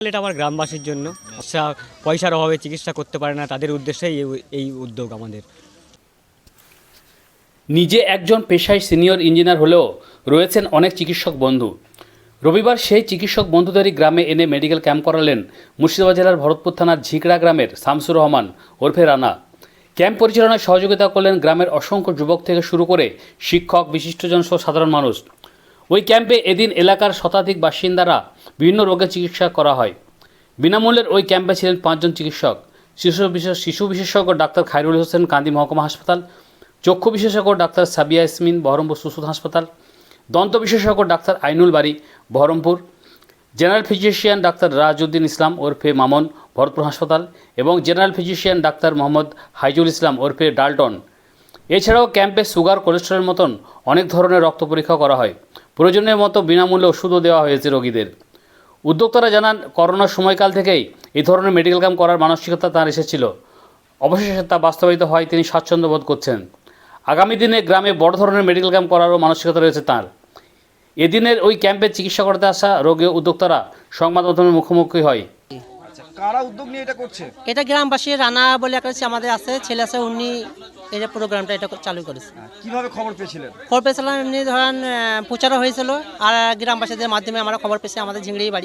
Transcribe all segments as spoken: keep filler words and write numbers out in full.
এটা আমার গ্রামবাসীর জন্য পয়সার অভাবে চিকিৎসা করতে পারে না, তাদের উদ্দেশ্যেই এই উদ্যোগ আমাদের। নিজে একজন পেশায় সিনিয়র ইঞ্জিনিয়ার হলেও রয়েছেন অনেক চিকিৎসক বন্ধু। রবিবার সেই চিকিৎসক বন্ধুদেরই গ্রামে এনে মেডিকেল ক্যাম্প করালেন মুর্শিদাবাদ জেলার ভরতপুর থানার ঝিকড়া গ্রামের শামসুর রহমান ওরফে রানা। ক্যাম্প পরিচালনায় সহযোগিতা করলেন গ্রামের অসংখ্য যুবক থেকে শুরু করে শিক্ষক, বিশিষ্টজন সহ সাধারণ মানুষ। ওই ক্যাম্পে এদিন এলাকার শতাধিক বাসিন্দারা বিভিন্ন রোগের চিকিৎসা করা হয়। বিনামূল্যের ওই ক্যাম্পে ছিলেন পাঁচজন চিকিৎসক। শিশু বিশেষ শিশু বিশেষজ্ঞ ডাক্তার খায়রুল হোসেন কান্দি মহকুমা হাসপাতাল, চক্ষু বিশেষজ্ঞ ডাক্তার সাবিয়া ইয়াসমিন বহরমপুর সুসুদ হাসপাতাল, দন্ত বিশেষজ্ঞ ডাক্তার আইনুল বাড়ি Baharampur, general physician doctor Rajuddin Islam ওরফে মামন ভরতপুর হাসপাতাল এবং general physician doctor Mohammad Haizul Islam ওরফে ডালটন। এছাড়াও ক্যাম্পে সুগার, কোলেস্টেরলের মতন অনেক ধরনের রক্ত পরীক্ষা করা হয়। প্রয়োজনের মতো বিনামূল্যে ওষুধও দেওয়া হয়েছে রোগীদের। উদ্যোক্তারা জানান, করোনার সময়কাল থেকেই এই ধরনের মেডিকেল ক্যাম্প করার মানসিকতা তাঁর এসেছিল। অবশেষে তা বাস্তবায়িত হয়, তিনি স্বাচ্ছন্দ্য বোধ করছেন। আগামী দিনে গ্রামে বড় ধরনের মেডিকেল ক্যাম্প করারও মানসিকতা রয়েছে তাঁর। এদিনের ওই ক্যাম্পে চিকিৎসা করতে আসা রোগী উদ্যোক্তারা সংবাদ মাধ্যমের মুখোমুখি হয়। আচ্ছা, কারা উদ্যোগ নিয়ে এটা করছে? এটা গ্রামবাসী রানা বলে একটা আমাদের আছে, ছেলে আছে, উনি এই প্রোগ্রামটা এটা চালু করেছে। কিভাবে খবর পেয়েছিলেন? খবর পেয়েছিলাম এমনি ধরেন প্রচারও হয়েছিল, আর গ্রামবাসীদের মাধ্যমে আমরা খবর পেয়েছি, আমাদের ঝিংড়ি বাড়ি।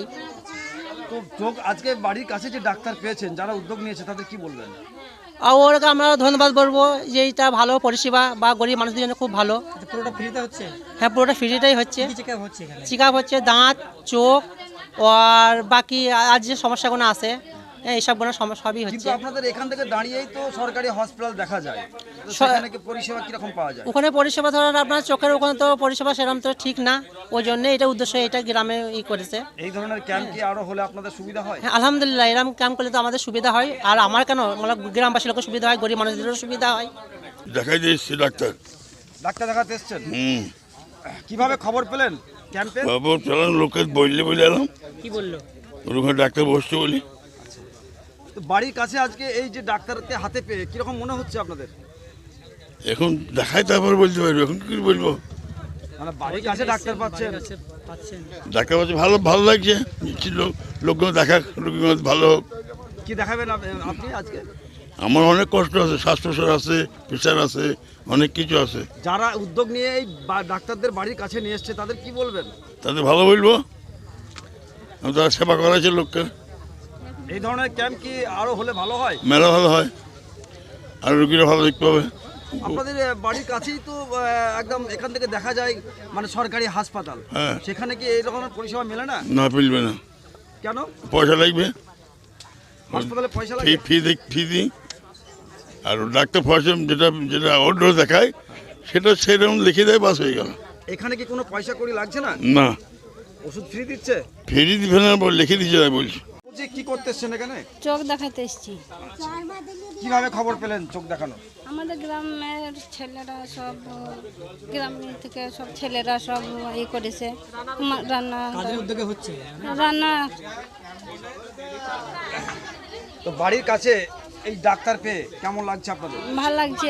তো যোগ আজকে বাড়ির কাছে যে ডাক্তার পেয়েছেন, যারা উদ্যোগ নিয়েছে তাদের কি বলবেন? আর ওরকে আমরা ধন্যবাদ বলবো যে এটা ভালো পরিষেবা বা গরিব মানুষদের জন্য খুব ভালো। পুরোটা ফ্রিতে হচ্ছে? হ্যাঁ, পুরোটা ফ্রিটাই হচ্ছে। চেক আপ হচ্ছে এখানে? চেক আপ হচ্ছে দাঁত, চোখ আর বাকি আর যে সমস্যাগুলো আছে এইসবগুলো সবই হচ্ছে। কিন্তু আপনাদের এখান থেকে দাঁড়িয়েই তো সরকারি হসপিটাল দেখা যায়, তো সেখানে কি পরিষেবা কিরকম পাওয়া যায়? ওখানে পরিষেবা ধরেন আপনার চোখের ওখানে তো পরিষেবা সেরকম তো ঠিক না, ওই জন্য এটা উদ্দেশ্য এটা গ্রামে ই করেছে। এই ধরনের ক্যাম্প কি আরো হলে আপনাদের সুবিধা হয়? হ্যাঁ, আলহামদুলিল্লাহ, এরকম ক্যাম্প করলে তো আমাদের সুবিধা হয়। আর আমার কেন, মানে গ্রামবাসী লোকের সুবিধা হয়, গরিব মানুষদেরও সুবিধা হয়। দেখাই দিয়েছি ডাক্তার। ডাক্তার দেখাতে এসছেন? হুম। কিভাবে খবর পেলেন ক্যাম্পে? খবর পেলাম, লোকে বললে বলে এলাম। কি বললো? ওখানে ডাক্তার বসছে বলি। তো বাড়ির কাছে আজকে এই যে ডাক্তারকে হাতে পেয়ে কিরকম মনে হচ্ছে আপনাদের? এখন দেখাই তারপর বলতে পারবো, এখন কি বলবো। মানে বাড়ির কাছে ডাক্তার পাচ্ছেন? ডাক্তার পাচ্ছে, ভালো ভালো লাগছে। নিচ্ছি লোক লোকগুলো দেখা, লোকগুলো ভালো হোক। কি দেখাবেন আপ- আপনি আজকে? আমার অনেক কষ্ট আছে, শ্বাস প্রশ্বাস আছে, প্রেশার আছে, অনেক কিছু আছে। যারা উদ্যোগ নিয়ে এই বা- ডাক্তারদের বাড়ির কাছে নিয়ে এসছে তাদের কি বলবেন? তাদের ভালো বলবো, আমি তারা সেবা করাইছে লোককে। এই ধরনের ক্যাম্প কি আরো হলে ভালো হয়? মেলা ভালো হয়, আর রুগীরা ভালো দেখতে পাবে। আপনাদের আহ, বাড়ির কাছেই তো আহ, একদম এখান থেকে দেখা যায় মানে সরকারি হাসপাতাল, হ্যাঁ। সেখানে কি এই রকমের পরিষেবা মেলে না? না, মিলবে না। কেন? পয়সা লাগবে, হাসপাতালে পয়সা ফি লাগে? ফি দিই ফি দিই আর ডাক্তার পয়সা যেটা যেটা অর্ডার দেখায় সেটা সেরকম লিখে দেয়, বাস হয়ে গেল। এখানে কি কোনো পয়সা করি লাগছে না? না, ওষুধ ফ্রি দিচ্ছে? ফেরি দিবে না, বল লিখে দিচ্ছে তাই বলছি। বলছি, কি করতে এসছেন এখানে? চোখ দেখাতে এসেছি। কিভাবে খবর পেলেন চোখ দেখানো? আমাদের গ্রামের ছেলেরা সব, গ্রাম থেকে সব ছেলেরা সব ই করেছে, মা- রান্না কাজের উদ্যোগে হচ্ছে? রান্না তো বাড়ির কাছে এই ডাক্তার পেয়ে কেমন লাগছে আপনাদের? ভাল লাগছে।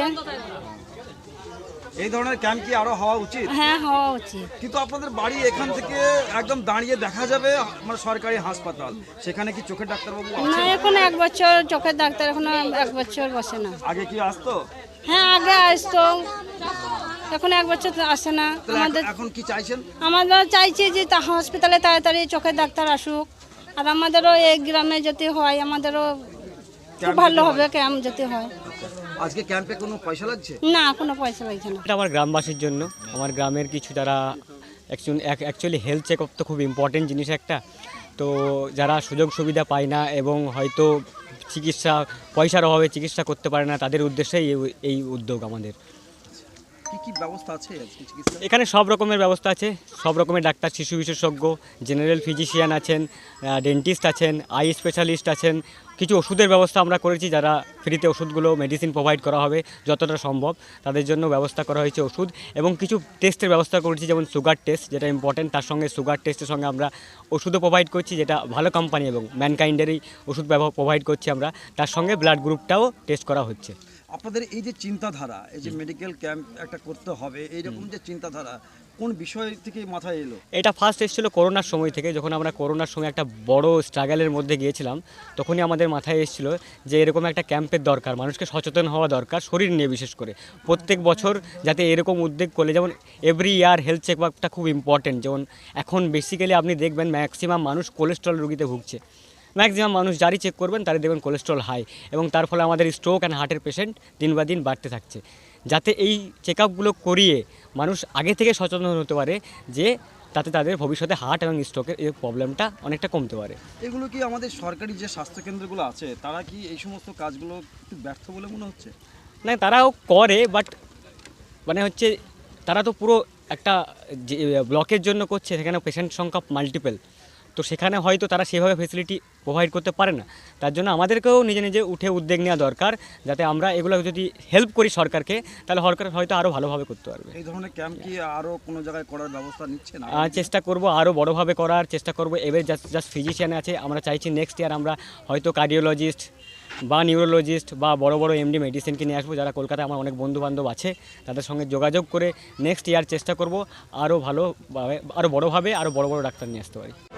এই ধরনের ক্যাম্প কি আরো হওয়া উচিত? হ্যাঁ, হওয়া উচিত। কিন্তু আপনাদের বাড়ি এখান থেকে একদম দাঁড়িয়ে দেখা যাবে মানে সরকারি হাসপাতাল, সেখানে কি চোখের ডাক্তারবাবু না, আছে? এখন এক বছর চোখের ডাক্তার এখন এক বছর বসে না। আগে কি আসতো? হ্যাঁ, আগে আসতো, এখন এক বছর তো আসে না। তাহলে আমাদের এখন- এখন কি চাইছেন? আমাদের চাইছি যে তা হসপিটালে তাড়াতাড়ি চোখের ডাক্তার আসুক, আর আমাদেরও এই গ্রামে যদি হয় আমাদেরও খুব ভালো হবে, ক্যাম্প যদি হয়। আজকে ক্যাম্পে কোনো পয়সা লাগছে? না, কোনো পয়সা লাগছে না। এটা আমার গ্রামবাসীর জন্য, আমার গ্রামের কিছু যারা অ্যাকচুয়ালি হেলথ চেক আপ তো খুব ইম্পর্টেন্ট জিনিস একটা। তো যারা সুযোগ সুবিধা পায় না এবং হয়তো চিকিৎসা পয়সার অভাবে চিকিৎসা করতে পারে না, তাদের উদ্দেশ্যেই এই- এই উদ্যোগ আমাদের। কি কি ব্যবস্থা আছে আজকে চিকিৎসা? এখানে সব রকমের ব্যবস্থা আছে, সব রকমের ডাক্তার, শিশু বিশেষজ্ঞ, জেনারেল ফিজিশিয়ান আছেন, ডেন্টিস্ট আছেন, আই স্পেশালিস্ট আছেন। কিছু ওষুধের ব্যবস্থা আমরা করেছি, যারা ফ্রিতে ওষুধগুলো মেডিসিন প্রোভাইড করা হবে যতটা সম্ভব, তাদের জন্য ব্যবস্থা করা হয়েছে ওষুধ। এবং কিছু টেস্টের ব্যবস্থা করেছি, যেমন সুগার টেস্ট, যেটা ইম্পর্টেন্ট। তার সঙ্গে সুগার টেস্টের সঙ্গে আমরা ওষুধও প্রোভাইড করছি, যেটা ভালো কোম্পানি এবং ম্যানকাইন্ডেরই ওষুধ প্রোভাইড করছি আমরা। তার সঙ্গে ব্লাড গ্রুপটাও টেস্ট করা হচ্ছে। আপনাদের এই যে চিন্তাধারা, এই যে মেডিকেল ক্যাম্প একটা করতে হবে, এইরকম যে চিন্তাধারা, কোন বিষয় থেকে মাথায় এলো? এটা ফার্স্ট এসেছিলো করোনার সময় থেকে, যখন আমরা করোনার সময় একটা বড় স্ট্রাগলের মধ্যে গিয়েছিলাম, তখনই আমাদের মাথায় এসেছিলো যে এরকম একটা ক্যাম্পের দরকার, মানুষকে সচেতন হওয়া দরকার শরীর নিয়ে বিশেষ করে। প্রত্যেক বছর যাতে এরকম উদ্যোগ করলে, যেমন এভরি ইয়ার হেলথ চেক আপটা খুব ইম্পর্টেন্ট। যেমন এখন বেসিক্যালি আপনি দেখবেন ম্যাক্সিমাম মানুষ কোলেস্ট্রল রোগীতে ভুগছে, ম্যাক্সিমাম মানুষ যারই চেক করবেন তারই দেখবেন কোলেস্ট্রল হাই, এবং তার ফলে আমাদের স্ট্রোক অ্যান্ড হার্টের পেশেন্ট দিন বা দিন বাড়তে থাকছে। যাতে এই চেক আপগুলো করিয়ে মানুষ আগে থেকে সচেতন হতে পারে, যে তাতে তাদের ভবিষ্যতে হার্ট এবং স্ট্রোকের এই প্রবলেমটা অনেকটা কমতে পারে। এগুলো কি আমাদের সরকারি যে স্বাস্থ্যকেন্দ্রগুলো আছে তারা কি এই সমস্ত কাজগুলো একটু ব্যর্থ বলে মনে হচ্ছে? না, তারাও করে, বাট মানে হচ্ছে তারা তো পুরো একটা যে ব্লকের জন্য করছে, সেখানে পেশেন্ট সংখ্যা মাল্টিপল, তো সেখানে হয়তো তারা সেভাবে ফেসিলিটি প্রোভাইড করতে পারে না। তার জন্য আমাদেরকেও নিজে নিজে উঠে উদ্যোগ নেওয়া দরকার, যাতে আমরা এগুলো যদি হেল্প করি সরকারকে, তাহলে সরকার হয়তো আরও ভালোভাবে করতে পারবে। এই ধরনের ক্যাম্প কি আরও কোনো জায়গায় করার ব্যবস্থা নিচ্ছে না? আর চেষ্টা করব আরও বড়োভাবে করার চেষ্টা করব। এবার জাস্ট জাস্ট ফিজিশিয়ান আছে, আমরা চাইছি নেক্সট ইয়ার আমরা হয়তো কার্ডিওলজিস্ট বা নিউরোলজিস্ট বা বড় বড় এমডি মেডিসিনকে নিয়ে আসবো, যারা কলকাতায় আমার অনেক বন্ধু বান্ধব আছে, তাদের সঙ্গে যোগাযোগ করে নেক্সট ইয়ার চেষ্টা করব আরও ভালোভাবে, আরও বড়োভাবে আরও বড় বড় ডাক্তার নিয়ে আসতে পারি।